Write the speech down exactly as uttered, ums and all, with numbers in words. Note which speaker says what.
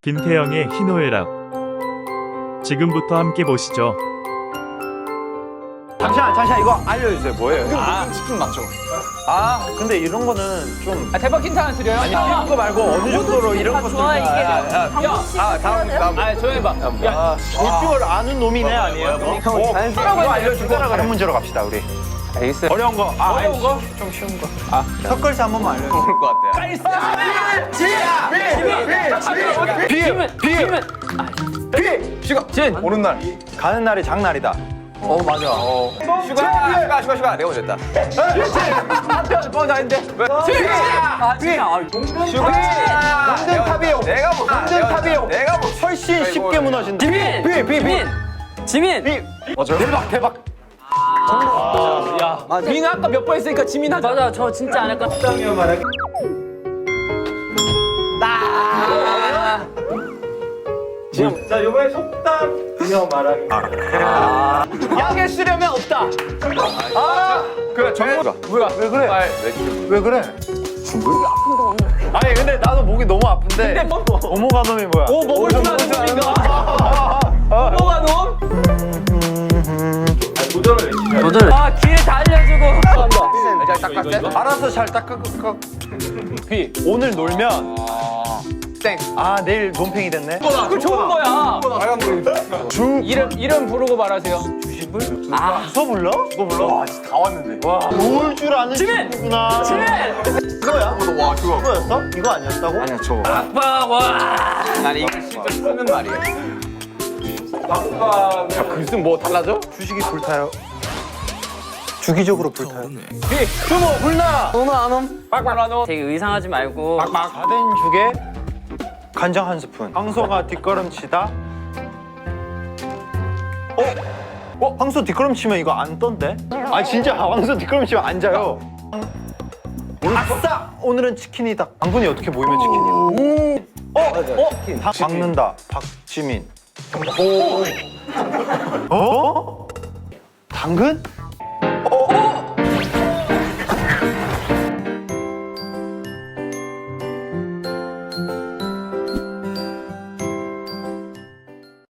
Speaker 1: 김태형의 희노애락. 지금부터 함께 보시죠.
Speaker 2: 잠시만 잠시만 이거 알려주세요. 뭐예요?
Speaker 3: 이거 무슨 치킨 맞죠?
Speaker 2: 아 근데 이런 거는 좀
Speaker 3: 아, 대박 힌트 하나 드려요?
Speaker 2: 아니 이런 거 말고 어느 정도로 이런 거
Speaker 4: 좋아 이게
Speaker 2: 아 다음 다음
Speaker 3: 아 조용히 봐. 야,
Speaker 2: 볼 줄 아는 놈이네 아니에요? 형 자연스럽게 이거 알려주고 다른 문제로 갑시다 우리.
Speaker 3: 알겠어요.
Speaker 2: 어려운 거. 아,
Speaker 3: 어려운 거?
Speaker 2: 좀 쉬운 거. 아 턱걸스 한 번만 알려주세요.
Speaker 3: 모를 것 같아요.
Speaker 2: 비읍 비읍 비
Speaker 3: 슈가 진 오는 날.
Speaker 2: 가는 날이 장날이다.
Speaker 3: 어 맞아. 어. 슈가 슈가 슈가 슈가 내가 먼저 했다. 한편 먼저 했는데. 아 진짜. 슈가
Speaker 2: 몽든 탑이에요.
Speaker 3: 내가 뭐
Speaker 2: 몽든 탑이에요.
Speaker 3: 내가 뭐
Speaker 2: 훨씬 쉽게 무너진다.
Speaker 4: 지민!
Speaker 2: 비비 비.
Speaker 4: 지민!
Speaker 2: 비. 맞아요? 대박 대박.
Speaker 3: 야. 민아 아까 몇 번 했으니까 지민 하자.
Speaker 4: 맞아 저 진짜 안 할까?
Speaker 2: 자 이번에 속담 그녀 말하기.
Speaker 3: 양에 쓰려면 없다. 아 그래 정우가 뭐야
Speaker 2: 왜 그래?
Speaker 3: 말
Speaker 2: 왜 그래? 아니 근데 나도 목이 너무 아픈데.
Speaker 3: 근데 뭐
Speaker 2: 오모가 놈이 뭐야?
Speaker 3: 오 먹을 줄 아는 놈인가? 뭐가 놈?
Speaker 4: 도전! 아 기회 다 알려주고
Speaker 3: 잘 닦았대?
Speaker 2: 알아서 잘 닦아.
Speaker 3: 비
Speaker 2: 오늘 놀면
Speaker 3: 땡.
Speaker 2: 아 내일 논팽이 됐네.
Speaker 3: 그 좋은 거야.
Speaker 2: 빨간 불. 주
Speaker 3: 이름 이름 부르고 말하세요.
Speaker 2: 아, 서 불러? 너 불러? 와, 진짜 다 왔는데. 와, 모을 줄 아는
Speaker 4: 지민!
Speaker 2: 친구구나.
Speaker 4: 지민!
Speaker 2: 이거야? 와, 그거. 이거였어? 이거 아니었다고? 아니야, 저거.
Speaker 4: 아빠 와
Speaker 3: 난 이거 진짜 쓰는 말이야. 아빠 글쓴 뭐 달라져?
Speaker 2: 주식이 불타요. 주기적으로 불타요.
Speaker 3: 비 주모 불나.
Speaker 4: 오늘 안 옴?
Speaker 3: 빡빡
Speaker 4: 되게 의상하지 말고
Speaker 3: 빡빡.
Speaker 2: 다 된 죽에 간장 한 스푼. 황소가 뒷걸음치다. 어? 어? 황소 뒷걸음치면 이거 안 떤데? 아 진짜 황소 뒷걸음치면 안 자요. 아싸! 오늘은 치킨이다. 당근이 어떻게 모이면 치킨이야? 어? 어? 박- 박는다. 박지민. 어? 어? 당근?